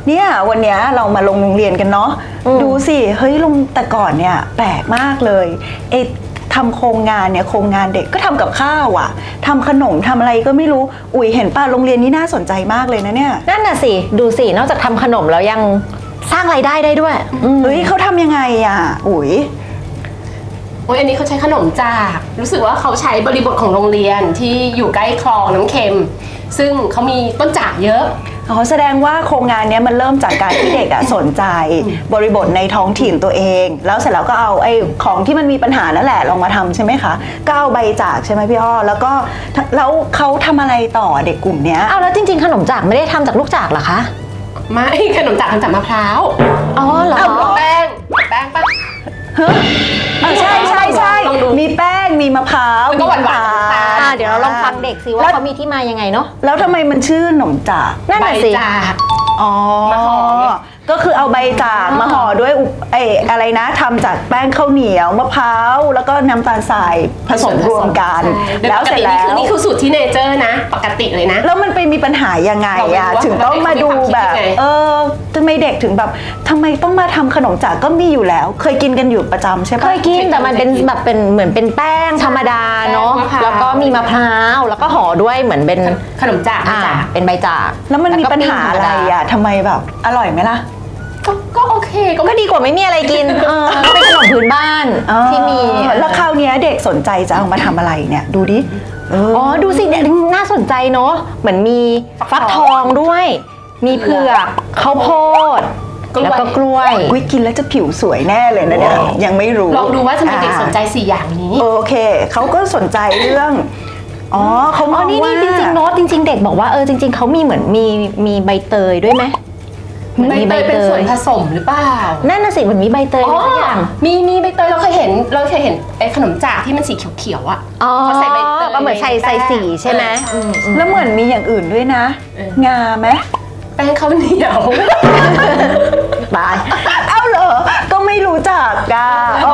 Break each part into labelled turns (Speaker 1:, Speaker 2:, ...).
Speaker 1: เนี่ยวันเนี้ยเรามาลงโรงเรียนกันเนาะดูสิเฮ้ยลงแต่ก่อนเนี่ยแปลกมากเลยทำโครงงานเนี่ยโครงงานเด็กก็ทำกับข้าวอ่ะทำขนมทำอะไรก็ไม่รู้อุ๋ยเห็นป่ะโรงเรียนนี้น่าสนใจมากเลยนะเนี่ย
Speaker 2: นั่นน่ะสิดูสินอกจากทำขนมแล้วยังสร้างรายได้ได้ด้วย
Speaker 1: เฮ้ยเขาทำยังไงอ่ะอุ๋ย
Speaker 3: โอ้ยอันนี้เขาใช้ขนมจากรู้สึกว่าเขาใช้บริบทของโรงเรียนที่อยู่ใกล้คลองน้ำเค็มซึ่งเขามีต้นจากเยอะ
Speaker 1: แสดงว่าโครงงานนี้มันเริ่มจากการที่เด็กอะสนใจบริบทในท้องถิ่นตัวเองแล้วเสร็จแล้วก็เอาไอ้ของที่มันมีปัญหานั่นแหละลองมาทำใช่ไหมคะก็เอาใบจากใช่ไหมพี่อ้อแล้วเขาทำอะไรต่อเด็กกลุ่มเนี้ย
Speaker 2: เอาแล้วจริงๆขนมจากไม่ได้ทำจากลูกจากเหรอคะ
Speaker 3: ไม่ขนมจากทำจากมะพร้าว
Speaker 2: อ๋อเหรอ
Speaker 3: แป้งปะ
Speaker 1: ใช่มีแป้งมีมะพร้าว
Speaker 3: ก็หวาน
Speaker 2: เดี๋ยวเราลองฟังเด็กสิว่าเขามีที่มายังไงเนาะ
Speaker 1: แล้วทำไมมันชื่อขนมจาก
Speaker 2: นั่นน่ะสิ
Speaker 1: อ๋อก็คือเอาใบจากมาห่อด้วยอะไรนะทำจากแป้งข้าวเหนียวมะพร้าวแล้วก็น้ำตาลทรายผสมรวมกันแล้วเสร็จแล้ว
Speaker 3: นี่คือสูตรที่เนเจอร์นะปกติเลยนะ
Speaker 1: แล้วมันไปมีปัญหายังไงอะถึงต้องมาดูแบบทำไมเด็กถึงแบบทำไมต้องมาทำขนมจากก็มีอยู่แล้วเคยกินกันอยู่ประจำใช่ปะ
Speaker 2: เคยกินแต่มันเป็นแบบเป็นเหมือนเป็นแป้งธรรมดาเนาะแล้วก็มีมะพร้าวแล้วก็ห่อด้วยเหมือนเป็น
Speaker 3: ขนมจาก
Speaker 2: เป็นใบจาก
Speaker 1: แล้วมันมีปัญหาอะไรอะทำไมแบบอร่อยไหมล่ะ
Speaker 3: ก็โอเค
Speaker 2: ก็ดีกว่าไม่มีอะไรกินก็เป็นขนมพื้นบ้านที่มี
Speaker 1: แล้วคราวนี้เด็กสนใจจะเอามาทำอะไรเนี่ยดูดิ
Speaker 2: ดูสิเนี่ยน่าสนใจเนาะเหมือนมีฟักทองด้วยมีเผือกข้าวโพดแล้วก็กล้วย
Speaker 1: กินแล้วจะผิวสวยแน่เลยนะเนี่ยยังไม่รู้
Speaker 3: ลองดูว่าทำไมเด็กสนใจ4อย่างนี้
Speaker 1: โอเคเขาก็สนใจเรื่องเขามองว่า
Speaker 2: นี่จริงๆโน้ตจริงๆเด็กบอกว่าจริงๆเขามีเหมือนมีใบเตยด้วยไหม
Speaker 3: ใบเตยเป็นส่วนผสมหรือเปล่า
Speaker 2: นั่นน่ะสิเหมือนมีใบเตยทุกอย่าง
Speaker 3: มีใบเตยเราเคยเห็นไอ้ขนมจากที่มันสีเขียวๆอ่ะ
Speaker 2: เขาใส่ใบเตยก็เหมือนใส่สีใช่ไหม
Speaker 1: แล้วเหมือนมีอย่างอื่นด้วยนะงาไหม
Speaker 3: แป้งข้าวเหนียว
Speaker 1: ตายเอาเหรอก็ไม่รู้จักอ่ะ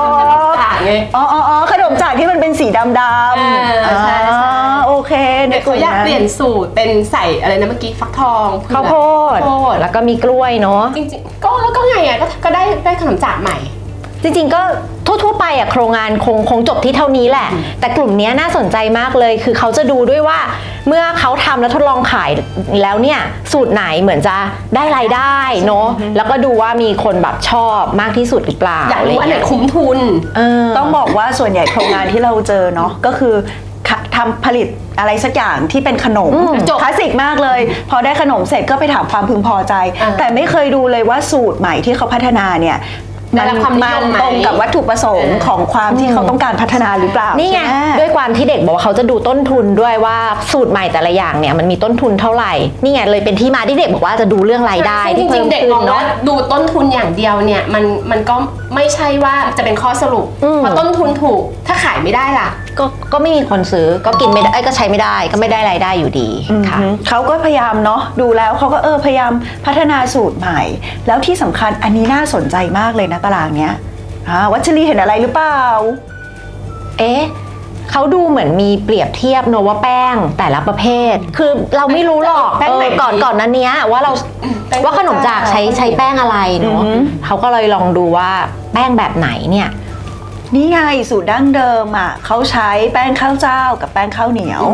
Speaker 1: ขนมจากที่มันเป็นสีดำ
Speaker 3: ใช่
Speaker 1: โอเค
Speaker 3: เด็กเขาอยากเปลี่ยนสูตรเป็นใส่อะไรนะเมื่อกี้ฟักทอง
Speaker 2: ข้าวโพดแล้วก็มีกล้วยเนาะ
Speaker 3: จริงๆก็ไงอ่ะก็ได้ขนมจากใหม่
Speaker 2: จริงๆก็ทั่วไปโครงงานคงจบที่เท่านี้แหละแต่กลุ่มนี้น่าสนใจมากเลยคือเขาจะดูด้วยว่าเมื่อเขาทำแล้วทดลองขายแล้วเนี่ยสูตรไหนเหมือนจะได้รายได้เนาะแล้วก็ดูว่ามีคนแบบชอบมากที่สุดหรือเปล่า
Speaker 3: อยากรู้อันไหนคุ้มทุน
Speaker 1: ต้องบอกว่าส่วนใหญ่โครงงานที่เราเจอเนาะก็คือทำผลิตอะไรสักอย่างที่เป็นขนมคลาสสิกมากเลยพอได้ขนมเสร็จก็ไปถามความพึงพอใจแต่ไม่เคยดูเลยว่าสูตรใหม่ที่เขาพัฒนาเนี่ยมันตรงกับวัตถุประสงค์ของความที่เขาต้องการพัฒนาหรือเปล่า
Speaker 2: นี่ไงด้วยความที่เด็กบอกว่าเขาจะดูต้นทุนด้วยว่าสูตรใหม่แต่ละอย่างเนี่ยมันมีต้นทุนเท่าไหร่นี่ไงเลยเป็นที่มาที่เด็กบอกว่าจะดูเรื่องรายได้
Speaker 3: ที่เพิ่มขึ้นเนาะดูต้นทุนอย่างเดียวเนี่ยมันก็ไม่ใช่ว่าจะเป็นข้อสรุปเพราะต้นทุนถูกถ้าขายไม่ได้ล่ะ
Speaker 2: ก็ไม่มีคนซื้อก็กินไม่ได้ก็ใช้ไม่ได้ก็ไม่ได้รายได้อยู่ดีค่ะ
Speaker 1: เขาก็พยายามเนาะดูแล้วเขาก็พยายามพัฒนาสูตรใหม่แล้วที่สำคัญอันนี้น่าสนใจมากเลยนะตารางเนี้ยวัชรีเห็นอะไรหรือเปล่า
Speaker 2: เขาดูเหมือนมีเปรียบเทียบเนอะว่าแป้งแต่ละประเภทคือเราไม่รู้หรอกก่อนนั้นเนี้ยว่าขนมจากใช้แป้งอะไรเนอะเขาก็เลยลองดูว่าแป้งแบบไหนเนี่ย
Speaker 1: นี่ไงสูตรดั้งเดิมเขาใช้แป้งข้าวเจ้ากับแป้งข้าวเหนียว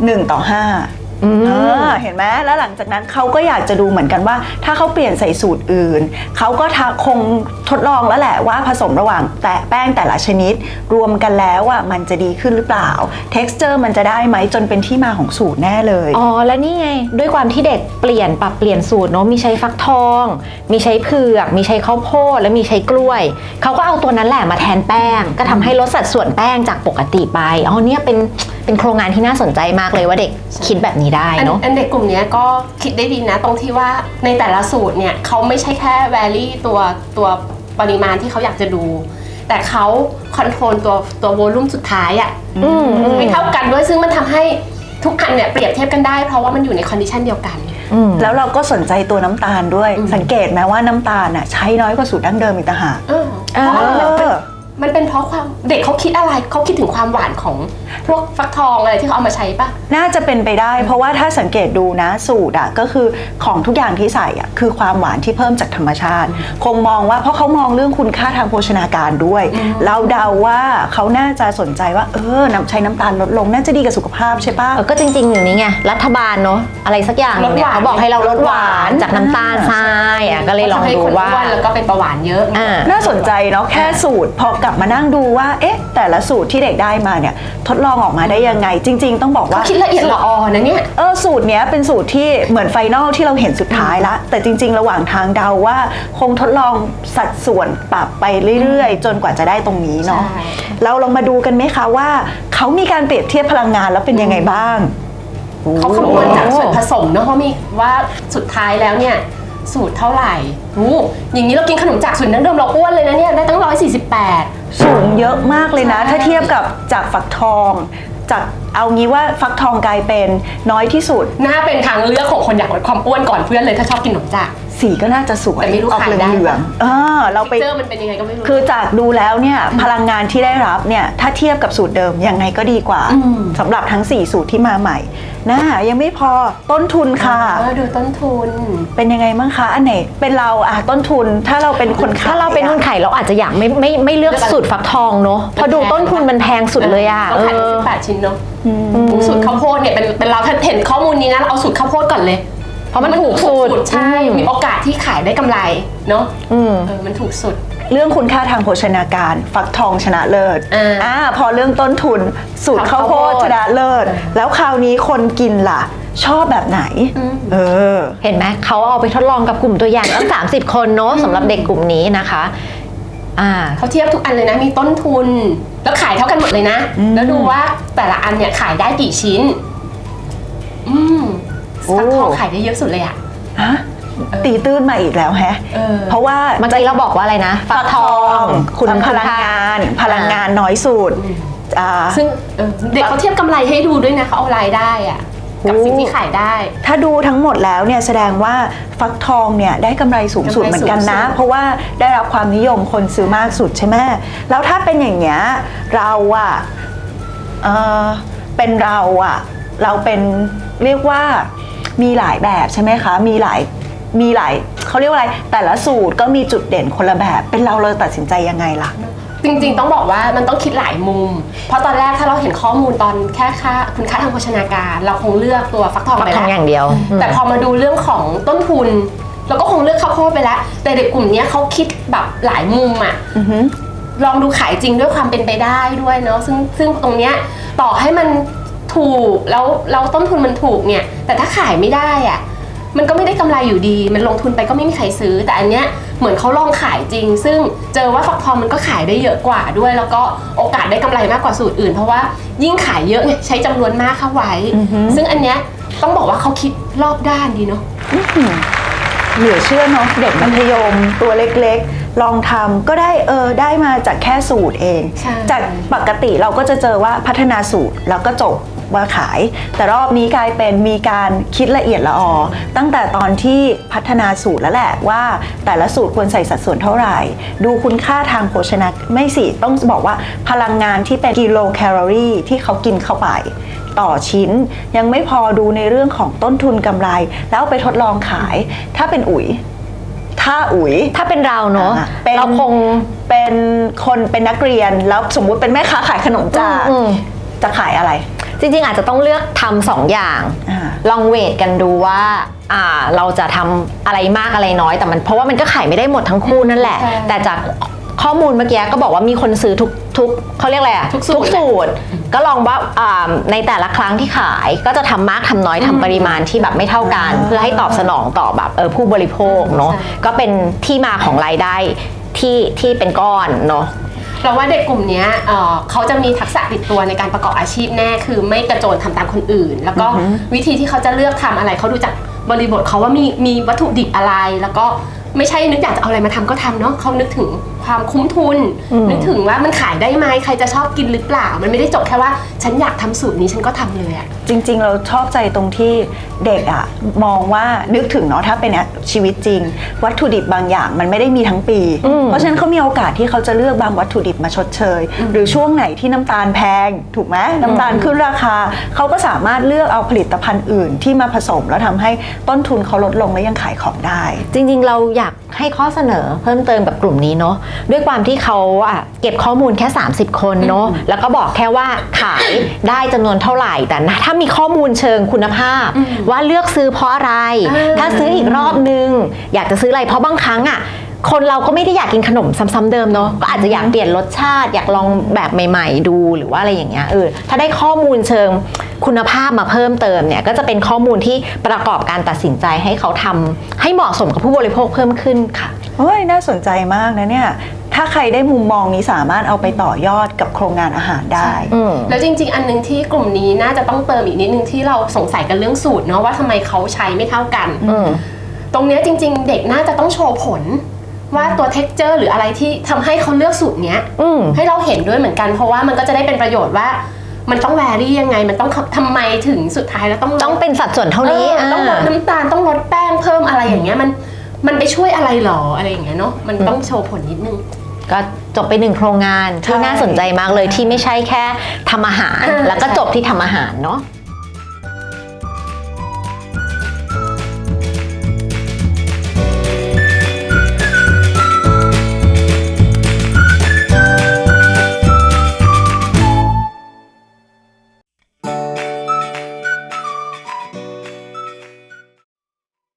Speaker 1: 1:5เห็นไหมแล้วหลังจากนั้นเขาก็อยากจะดูเหมือนกันว่าถ้าเขาเปลี่ยนใส่สูตรอื่นเขาก็คงทดลองแล้วแหละว่าผสมระหว่างแป้งแต่ละชนิดรวมกันแล้วมันจะดีขึ้นหรือเปล่า texture มันจะได้ไหมจนเป็นที่มาของสูตรแน่เลย
Speaker 2: แล้วนี่ไงด้วยความที่เด็กปรับเปลี่ยนสูตรเนาะมีใช้ฟักทองมีใช้เผือกมีใช้ข้าวโพดและมีใช้กล้วยเขาก็เอาตัวนั้นแหละมาแทนแป้งก็ทำให้ลดสัดส่วนแป้งจากปกติไปเนี่ยเป็นโครงงานที่น่าสนใจมากเลยว่าเด็กคิดแบบนี้ได้เนาะ
Speaker 3: เด็กกลุ่มนี้ก็คิดได้ดีนะตรงที่ว่าในแต่ละสูตรเนี่ยเขาไม่ใช่แค่แวลี่ตัวปริมาณที่เขาอยากจะดูแต่เขาคอนโทรลตัวโวลูมสุดท้ายไม่เท่ากันด้วยซึ่งมันทำให้ทุกอันเนี่ยเปรียบเทียบกันได้เพราะว่ามันอยู่ในคอนดิชันเดียวกัน
Speaker 1: แล้วเราก็สนใจตัวน้ำตาลด้วยสังเกตไหมว่าน้ำตาลใช้น้อยกว่าสูตรดั้งเดิมอีกต่างหาก
Speaker 3: มันเป็นเพราะความเด็กเขาคิดอะไรเขาคิดถึงความหวานของพวกฟักทองอะไรที่เขาเอามาใช้ปะ
Speaker 1: น่าจะเป็นไปได้เพราะว่าถ้าสังเกตดูนะสูตรก็คือของทุกอย่างที่ใส่คือความหวานที่เพิ่มจากธรรมชาติ คงมองว่าเพราะเขามองเรื่องคุณค่าทางโภชนาการด้วย เราเดาว่าเขาน่าจะสนใจว่าใช้น้ำตาลลดลงน่าจะดีกับสุขภาพใช่ปะ
Speaker 2: ก็จริงๆอย่างนี้ไงรัฐบาลเนาะอะไรสักอย่างเนี่ยเขาบอกให้เราลดหวานจากน้ำตาลทรายก็เลยลองดูว่า
Speaker 3: แล้วก็เป็นเบาหวานเยอะ
Speaker 1: น่าสนใจเนาะแค่สูตรพอกลับมานั่งดูว่าแต่ละสูตรที่เด็กได้มาเนี่ยทดลองออกมาได้ยังไงจริง ๆ ต้องบอกว่า
Speaker 3: เขาคิดละเอียดละออนะเนี่ย
Speaker 1: สูตรเนี้ยเป็นสูตรที่เหมือนไฟนอลที่เราเห็นสุดท้ายละแต่จริง ๆ ระหว่างทางเดาว่าคงทดลองสัดส่วนปรับไปเรื่อยๆ จนกว่าจะได้ตรงนี้เนาะเราลองมาดูกันไหมคะว่าเขามีการเปรียบเทียบพลังงานแล้วเป็นยังไงบ้าง
Speaker 3: เขาคำนวณจากส่วนผสมเนาะเพราะมีว่าสุดท้ายแล้วเนี่ยสูตรเท่าไหร่อย่างนี้เรากินขนมจากสูตรดั้งเดิมเราอ้วนเลยนะเนี่ยได้ตั้ง148
Speaker 1: สูงเยอะมากเลยนะถ้าเทียบกับจากฟักทองจากเอางี้ว่าฟักทองกลายเป็นน้อยที่สุด
Speaker 3: น่าเป็นทางเลือกของคนอยากลดความอ้วนก่อนเพื่อนเลยถ้าชอบกินขนมจาก
Speaker 1: สีก็น่าจะสวย
Speaker 3: แต่ไม่รู้ขายได้
Speaker 1: เหลืองเราไป
Speaker 3: เจอมันเป็นยังไงก็ไม่รู้
Speaker 1: คือจากดูแล้วเนี่ยพลังงานที่ได้รับเนี่ยถ้าเทียบกับสูตรเดิมยังไงก็ดีกว่าสำหรับทั้ง4สูตรที่มาใหม่ยังไม่พอต้นทุนค่ะ
Speaker 3: ดูต้นทุน
Speaker 1: เป็นยังไงบ้างคะอันไหนเป็นเราต้นทุนถ้าเราเป็นคนขาย
Speaker 2: ถ้าเราเป็นคนขายเราอาจจะอยากไม่เลือกสูตรฟักทองเนาะเพราะดูต้นทุนมันแพงสุดเลย
Speaker 3: ต้องขาย18ชิ้นเนาะสูตรข้าวโพดเนี่ยเป็นเราถ้าเห็นข้อมูลนี้นะเราเอาสูตรข้าวโพดก่อนเลย
Speaker 2: เพราะมันถูกสุด
Speaker 3: ใช่มีโอกาสที่ขายได้กำไรเนาะมันถูกสุด
Speaker 1: เรื่องคุณค่าทางโภชนาการฟักทองชนะเลิศพอเรื่องต้นทุนสูตรข้าวโพดชนะเลิศแล้วคราวนี้คนกินล่ะชอบแบบไหน
Speaker 2: เห็นไหมเขาเอาไปทดลองกับกลุ่มตัวอย่างตั้ง30 คนเนาะสำหรับเด็กกลุ่มนี้นะคะ
Speaker 3: เขาเทียบทุกอันเลยนะมีต้นทุนแล้วขายเท่ากันหมดเลยนะแล้วดูว่าแต่ละอันเนี่ยขายได้กี่ชิ้นฟักทองขายได้เยอะสุดเลย
Speaker 1: ตีตื้นมาอีกแล้วเพราะว่า
Speaker 2: เมื่อกี้เราบอกว่าอะไรนะ
Speaker 1: ฟักทองคุณพลังงานน้อยสุด
Speaker 3: ซึ่งเด็กเขาเทียบกำไรให้ดูด้วยนะเขาเอารายได้กับสิ่งที่ขายได้
Speaker 1: ถ้าดูทั้งหมดแล้วเนี่ยแสดงว่าฟักทองเนี่ยได้กำไรสูงสุดเหมือนกันนะเพราะว่าได้รับความนิยมคนซื้อมากสุดใช่ไหมแล้วถ้าเป็นอย่างเงี้ยเราเป็นเราเป็นเรียกว่ามีหลายแบบใช่ไหมคะมีหลายเขาเรียกว่าอะไรแต่ละสูตรก็มีจุดเด่นคนละแบบเป็นเราตัดสินใจยังไงล่ะ
Speaker 3: จริงๆต้องบอกว่ามันต้องคิดหลายมุมเพราะตอนแรกถ้าเราเห็นข้อมูลตอนแค่คุณค่าทางโภชนาการเราคงเลือกตัวฟักทองไปแล้ว
Speaker 2: อย่างเดียว
Speaker 3: แต่พอมาดูเรื่องของต้นทุนเราก็คงเลือกข้าวโพดไปแล้วแต่เด็กกลุ่มนี้เขาคิดแบบหลายมุมลองดูขายจริงด้วยความเป็นไปได้ด้วยเนาะซึ่งตรงเนี้ยต่อให้มันถูกแล้วต้นทุนมันถูกเนี่ยแต่ถ้าขายไม่ได้มันก็ไม่ได้กำไรอยู่ดีมันลงทุนไปก็ไม่มีใครซื้อแต่อันเนี้ยเหมือนเขาลองขายจริงซึ่งเจอว่าฟักทองมันก็ขายได้เยอะกว่าด้วยแล้วก็โอกาสได้กำไรมากกว่าสูตรอื่นเพราะว่ายิ่งขายเยอะใช้จำนวนมากเข้าไว้ซึ่งอันเนี้ยต้องบอกว่าเขาคิดรอบด้านดีเนาะ
Speaker 1: เหลือเชื่อเนาะเด็กมัธยมตัวเล็กๆลองทำก็ได้ได้มาจากแค่สูตรเองจากปกติเราก็จะเจอว่าพัฒนาสูตรแล้วก็จบว่าขายแต่รอบนี้กลายเป็นมีการคิดละเอียดละออตั้งแต่ตอนที่พัฒนาสูตรแล้วแหละว่าแต่ละสูตรควรใส่สัดส่วนเท่าไหร่ดูคุณค่าทางโภชนาไม่สิต้องบอกว่าพลังงานที่เป็นกิโลแคลอรี่ที่เขากินเข้าไปต่อชิ้นยังไม่พอดูในเรื่องของต้นทุนกำไรแล้วไปทดลองขายถ้าเป็นถ้า
Speaker 2: เป็นเราเนาะเราคง
Speaker 1: เป็นคนเป็นนักเรียนแล้วสมมุติเป็นแม่ค้าขายขนมจากจะขายอะไร
Speaker 2: จริงๆอาจจะต้องเลือกทำ2 อย่างลองเวทกันดูว่าเราจะทำอะไรมากอะไรน้อยแต่มันเพราะว่ามันก็ขายไม่ได้หมดทั้งคู่นั่นแหละแต่จากข้อมูลเมื่อกี้ก็บอกว่ามีคนซื้อทุกเขาเรียกอะไรทุกสูตรก็ลองว่าในแต่ละครั้งที่ขายก็จะทำมากทำน้อยทำปริมาณที่แบบไม่เท่ากันเพื่อให้ตอบสนองต่อแบบผู้บริโภคเนาะก็เป็นที่มาของรายได้ที่เป็นก้อนเนาะ
Speaker 3: เราว่าเด็กกลุ่มนี้เขาจะมีทักษะติดตัวในการประกอบอาชีพแน่คือไม่กระโจนทำตามคนอื่นแล้วก็วิธีที่เขาจะเลือกทำอะไรเขาดูจากบริบทเขาว่ามีวัตถุดิบอะไรแล้วก็ไม่ใช่นึกอยากจะเอาอะไรมาทำก็ทำเนาะเขานึกถึงความคุ้มทุน นึกถึงว่ามันขายได้ไหมใครจะชอบกินหรือเปล่ามันไม่ได้จบแค่ว่าฉันอยากทำสูตรนี้ฉันก็ทำเลยอะ
Speaker 1: จริงๆเราชอบใจตรงที่เด็กอะมองว่านึกถึงเนาะถ้าเป็นชีวิตจริง วัตถุดิบบางอย่างมันไม่ได้มีทั้งปี เพราะฉะนั้นเขามีโอกาสที่เขาจะเลือกบางวัตถุดิบมาชดเชย หรือช่วงไหนที่น้ำตาลแพงถูกไหมน้ำตาลขึ้นราคาเขาก็สามารถเลือกเอาผลิตภัณฑ์อื่นที่มาผสมแล้วทำให้ต้นทุนเขาลดลงและยังขายของได้
Speaker 2: จริงๆเราอยากให้ข้อเสนอเพิ่มเติมกับกลุ่มนี้เนาะด้วยความที่เขาเก็บข้อมูลแค่ 30 คนเนาะแล้วก็บอกแค่ว่าขายได้จำนวนเท่าไหร่แต่ถ้ามีข้อมูลเชิงคุณภาพว่าเลือกซื้อเพราะอะไร ถ้าซื้ออีกรอบนึงอยากจะซื้ออะไรเพราะบางครั้งคนเราก็ไม่ได้อยากกินขนมซ้ำๆเดิมเนาะก็อาจจะอยากเปลี่ยนรสชาติอยากลองแบบใหม่ๆดูหรือว่าอะไรอย่างเงี้ยถ้าได้ข้อมูลเชิงคุณภาพมาเพิ่มเติมเนี่ยก็จะเป็นข้อมูลที่ประกอบการตัดสินใจให้เขาทำให้เหมาะสมกับผู้บริโภคเพิ่มขึ้นค่ะ
Speaker 1: เฮ้ยน่าสนใจมากนะเนี่ยถ้าใครได้มุมมองนี้สามารถเอาไปต่อยอดกับโครงงานอาหารได้
Speaker 3: แล้วจริงๆอันนึงที่กลุ่มนี้น่าจะต้องเติมอีกนิดนึงที่เราสงสัยกันเรื่องสูตรเนาะว่าทำไมเขาใช้ไม่เท่ากันตรงเนี้ยจริงๆเด็กน่าจะต้องโชว์ผลว่าตัว texture หรืออะไรที่ทำให้เขาเลือกสูตรเนี้ยให้เราเห็นด้วยเหมือนกันเพราะว่ามันก็จะได้เป็นประโยชน์ว่ามันต้องแวรี่ยังไงมันต้องทำไมถึงสุดท้ายแล้ว
Speaker 2: ต้องเป็นสัดส่วนเท่านี้
Speaker 3: ต้องลดน้ำตาลต้องลดแป้งเพิ่มอะไรอย่างเงี้ยมันไปช่วยอะไรหรออะไรอย่างเงี้ยเนาะมันต้องโชว์ผลนิดนึง
Speaker 2: ก็จบไป1โครงงานที่น่าสนใจมากเลยที่ไม่ใช่แค่ทำอาหารแล้วก็จบที่ทำอาหารเนาะ